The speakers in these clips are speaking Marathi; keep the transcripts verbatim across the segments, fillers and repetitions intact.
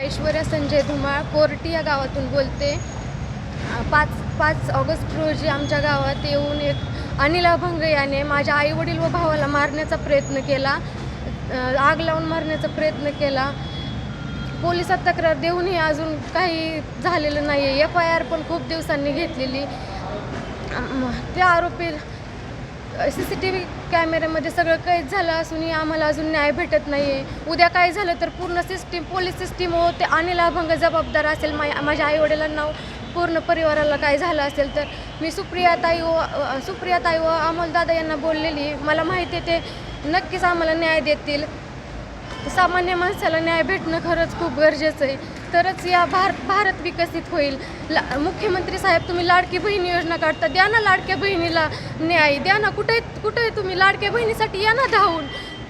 ऐश्वर्या संजय धुमाळ कोर्टी या गावातून बोलते. पाच पाच ऑगस्ट रोजी आमच्या गावात येऊन एक अनिल अभंग याने माझ्या आईवडील व भावाला मारण्याचा प्रयत्न केला, आग लावून मारण्याचा प्रयत्न केला. पोलिसात तक्रार देऊनही अजून काही झालेलं नाही आहे. एफ आय आर पण खूप दिवसांनी घेतलेली. त्या आरोपी सी सी टी व्ही कॅमेऱ्यामध्ये सगळं कैद झालं असूनही आम्हाला अजून न्याय भेटत नाही आहे. उद्या काय झालं तर पूर्ण सिस्टीम पोलीस सिस्टीम व ते अनिल अभंग जबाबदार असेल. मा माझ्या आईवडिलांना पूर्ण परिवाराला काय झालं असेल तर मी सुप्रियाताई व सुप्रियाताई व अमोलदादा यांना बोललेली. मला माहिती आहे ते नक्कीच आम्हाला न्याय देतील. सामान्य माणसाला न्याय भेटणं खरंच खूप गरजेचं आहे, तरच या भारत भारत विकसित होईल. ला मुख्यमंत्री साहेब, तुम्ही लाडकी बहीण योजना काढता, द्या ना लाडक्या बहिणीला न्याय द्या ना. कुठे कुठे तुम्ही लाडक्या बहिणीसाठी या ना धावून.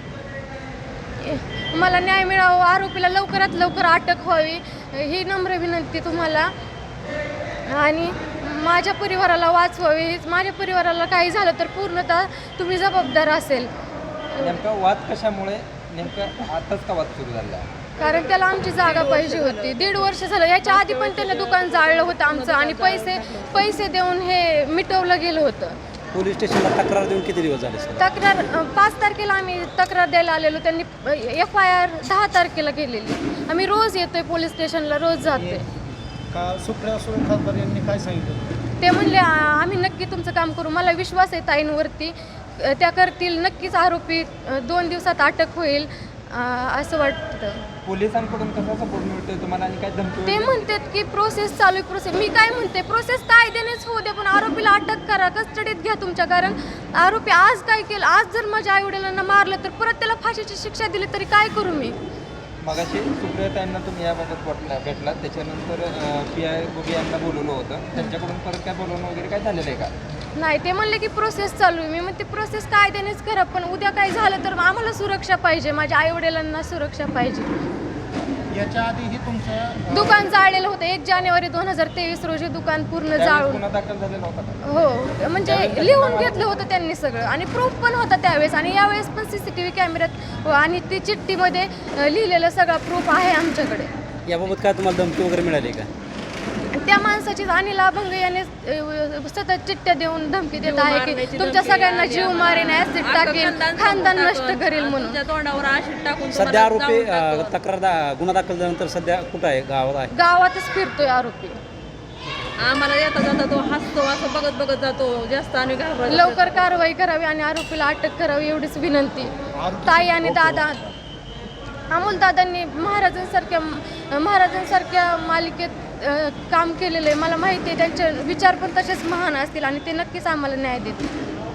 मला न्याय मिळावा, आरोपीला लवकरात लवकर अटक व्हावी ही नम्र विनंती तुम्हाला. आणि माझ्या परिवाराला वाचवावे. माझ्या परिवाराला काही झालं तर पूर्णतः तुम्ही जबाबदार असेल. नेमका वाद कशामुळे, नेमकं आताच का वाद सुरू झाला? कारण त्याला आमची जागा पाहिजे होती. दीड वर्ष झालं. याच्या आधी पण त्याने दुकान जाळलं होतं आमचं आणि पैसे पैसे देऊन हे मिटवलं गेलं होतं. पोलीस स्टेशनला तक्रार देऊन किती दिवस झाले सर? तक्रार पाच तारखेला आम्ही तक्रार द्यायला आलेलो. त्यांनी एफ आय आर दहा तारखेला केलेली. आम्ही रोज येतोय पोलीस स्टेशनला, रोज जातोय. का सुप्रिया सुळे खासदार यांनी काय सांगितलं? ते म्हणले आम्ही नक्की तुमचं काम करू. मला विश्वास आहे ताईंवरती, त्या करतील नक्कीच. आरोपी दोन दिवसात अटक होईल असं वाटतं. पोलिसांकडून कसा सपोर्ट मिळतोय तुम्हाला आणि काय धमकी? ते म्हणतात की प्रोसेस चालू आहे. प्रोसेस मी काय म्हणते, प्रोसेस कायद्यानेच होऊ द्या, पण आरोपीला अटक करा, कस्टडीत घ्या तुमच्या. कारण आरोपी आज काय केलं, आज जर माझ्या आईवडिलांना मारलं तर परत त्याला फाशीची शिक्षा दिली तरी काय करू मी? मगाशी सुप्रियाताईंना तुम्ही याबाबत वाटला भेटला, त्याच्यानंतर पी आय गोगे यांना बोलवलं होतं, त्यांच्याकडून परत काय बोलवणं वगैरे काय झालेलं आहे का? नाही, ते म्हणले की प्रोसेस चालू आहे. मी म्हणते प्रोसेस कायद्यानेच करा, पण उद्या काय झालं तर आम्हाला सुरक्षा पाहिजे, माझ्या आईवडिलांना सुरक्षा पाहिजे. याच्या आधीही तुमचं दुकान जाळलेलं होतं. एक जानेवारी दोन हजार तेवीस रोजी दुकान पूर्ण जाळून. गुन्हा दाखल झालेला होता का? हो, म्हणजे लिहून घेतलं होतं त्यांनी सगळं आणि प्रूफ पण होता त्यावेळेस. आणि यावेळेस पण सी सी टी व्ही कॅमेऱ्यात आणि ती चिठ्ठीमध्ये लिहिलेलं सगळा प्रूफ आहे आमच्याकडे. याबाबत काय तुम्हाला धमकी वगैरे मिळाली का? त्या माणसाची अनिल अभंग याने सतत चिठ्ठ्या देऊन धमकी देत आहे की तुमच्या सगळ्यांना जीव मारेन, ऍसिड टाकेन, खानदान नष्ट करेल म्हणून. तोंडावर ऍसिड टाकून सध्या आरोपी तक्रार दा- गुन्हा दाखल झाल्यानंतर सध्या कुठं आहे? गावात आहे? गावातच फिरतोय आरोपी. आम्हाला येता जाता तो हसतो, असं बघत बघत जातो. जास्त आणि घाबरतो. लवकर कारवाई करावी आणि आरोपीला अटक करावी एवढीच विनंती. ताई आणि दादा अमोलदादांनी महाराजांसारख्या महाराजांसारख्या मालिकेत काम केलेलं आहे. मला माहिती आहे त्यांचे विचार पण तसेच महान असतील आणि ते नक्कीच आम्हाला न्याय देतील.